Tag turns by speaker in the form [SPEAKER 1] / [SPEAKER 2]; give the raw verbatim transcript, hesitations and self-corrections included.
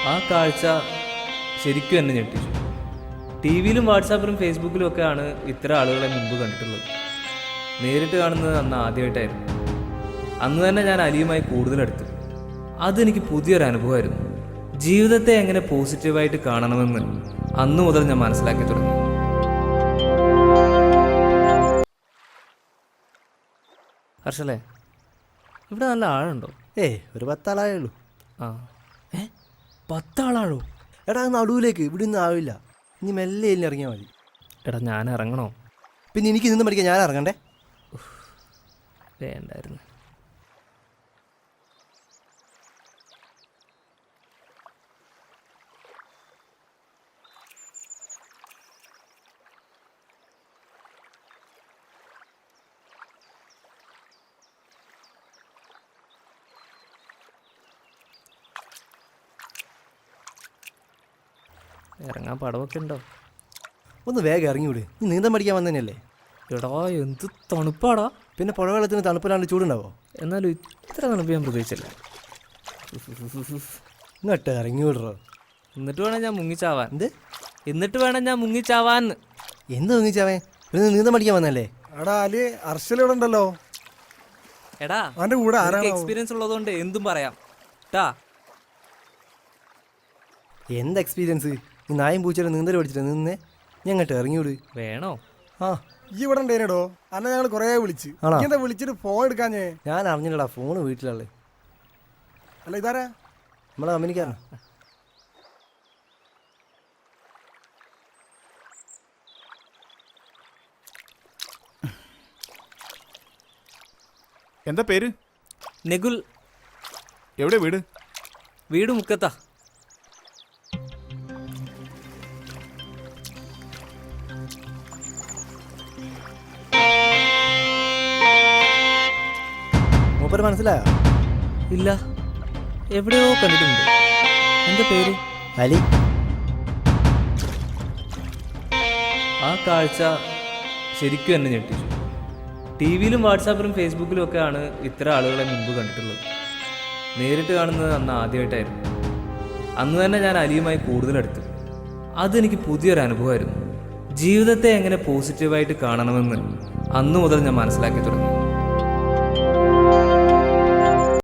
[SPEAKER 1] ആ കാഴ്ച ശരിക്കും എന്നെ ഞെട്ടിച്ചു. ടി വിയിലും വാട്സാപ്പിലും ഫേസ്ബുക്കിലും ഒക്കെയാണ് ഇത്തരം ആളുകളെ മുമ്പ് കണ്ടിട്ടുള്ളത്. നേരിട്ട് കാണുന്നത് അന്ന് ആദ്യമായിട്ടായിരുന്നു. അന്ന് തന്നെ ഞാൻ അലിയുമായി കൂടുതലെടുത്തു. അതെനിക്ക് പുതിയൊരു അനുഭവമായിരുന്നു. ജീവിതത്തെ എങ്ങനെ പോസിറ്റീവായിട്ട് കാണണമെന്ന് അന്നു മുതൽ ഞാൻ മനസ്സിലാക്കി തുടങ്ങി. ഹർഷലേ, ഇവിടെ നല്ല ആഴുണ്ടോ?
[SPEAKER 2] ഏയ് ഒരു പത്താളായേ ഉള്ളൂ.
[SPEAKER 1] ആ ഏ പത്താളാഴോ?
[SPEAKER 2] എടാ നടുവിലേക്ക് ഇവിടെ ഒന്നും ആവില്ല. ഇനി മെല്ലെ എല്ലാം ഇറങ്ങിയാൽ മതി.
[SPEAKER 1] എടാ ഞാൻ ഇറങ്ങണോ?
[SPEAKER 2] പിന്നെ എനിക്ക് നിന്ന് പഠിക്കാൻ ഞാൻ ഇറങ്ങണ്ടേ?
[SPEAKER 1] വേണ്ടായിരുന്നു. ഇറങ്ങാൻ പടവൊക്കെ ഉണ്ടോ?
[SPEAKER 2] ഒന്ന് വേഗം ഇറങ്ങിവിട്. നീ നീന്തം പഠിക്കാൻ വന്നതന്നെയല്ലേ?
[SPEAKER 1] എടാ എന്ത് തണുപ്പാടാ.
[SPEAKER 2] പിന്നെ പുഴവെള്ളത്തിന് തണുപ്പിലാണ്ട് ചൂടുണ്ടാവോ?
[SPEAKER 1] എന്നാലും ഇത്ര തണുപ്പ് ഞാൻ പ്രതീക്ഷിച്ചില്ല.
[SPEAKER 2] ഇങ്ങോട്ട് ഇറങ്ങി വിടറോ.
[SPEAKER 1] എന്നിട്ട് വേണം ഞാൻ മുങ്ങിച്ചാവാൻ.
[SPEAKER 2] എന്ത്
[SPEAKER 1] എന്നിട്ട് വേണം ഞാൻ മുങ്ങിച്ചാവാൻ?
[SPEAKER 2] എന്ത് മുങ്ങിച്ചാവേ? പിന്നെ നീന്തം പഠിക്കാൻ വന്നല്ലേ?
[SPEAKER 3] എടാ അലി, അർഷലിവിടെ ഉണ്ടല്ലോ.
[SPEAKER 1] എടാ
[SPEAKER 3] അവന്റെ കൂടെ ആരാണ്?
[SPEAKER 1] എക്സ്പീരിയൻസ് ഉള്ളതുകൊണ്ട് എന്തും പറയാം ട്ടാ.
[SPEAKER 2] എന്ത് എക്സ്പീരിയൻസ്? ഈ നായും പൂച്ചയുടെ നീന്തൽ പഠിച്ചിട്ട് നിന്നേ. ഞാൻ ഇങ്ങോട്ട് ഇറങ്ങിവിട്.
[SPEAKER 1] വേണോ?
[SPEAKER 2] ആ
[SPEAKER 3] ഈ ഇവിടെ ഉണ്ടേനടോ. അന്നെ ഞങ്ങൾ കൊറേ വിളിച്ച്.
[SPEAKER 2] ആണോ?
[SPEAKER 3] എന്താ വിളിച്ചിട്ട് ഫോൺ എടുക്കാഞ്ഞേ?
[SPEAKER 2] ഞാൻ അറിഞ്ഞില്ലടാ, ഫോണ് വീട്ടിലുള്ളത്.
[SPEAKER 3] അല്ല ഇതാരാ?
[SPEAKER 2] നമ്മളെ കമ്പനിക്കാരനാ.
[SPEAKER 4] എന്താ പേര്?
[SPEAKER 1] നെഗുൽ.
[SPEAKER 4] എവിടെ വീട്?
[SPEAKER 1] വീട് മുക്കത്താ.
[SPEAKER 2] മൂപ്പര് മനസ്സിലായോ?
[SPEAKER 1] ഇല്ല, എവിടെയോ കണ്ടിട്ടുണ്ട്. എന്താ പേര്?
[SPEAKER 2] അലി.
[SPEAKER 1] ആ കാഴ്ച ശരിക്കും എന്നെ ഞെട്ടിച്ചു. ടി വിയിലും വാട്സാപ്പിലും ഫേസ്ബുക്കിലും ഒക്കെയാണ് ഇത്തരം ആളുകളെ മുമ്പ് കണ്ടിട്ടുള്ളത്. നേരിട്ട് കാണുന്നത് അന്ന് ആദ്യമായിട്ടായിരുന്നു. അന്ന് തന്നെ ഞാൻ അലിയുമായി കൂടുതലെടുത്തു. അതെനിക്ക് പുതിയൊരു അനുഭവമായിരുന്നു. ജീവിതത്തെ എങ്ങനെ പോസിറ്റീവായിട്ട് കാണണമെന്ന് അന്നു മുതൽ ഞാൻ മനസ്സിലാക്കി തുടങ്ങി.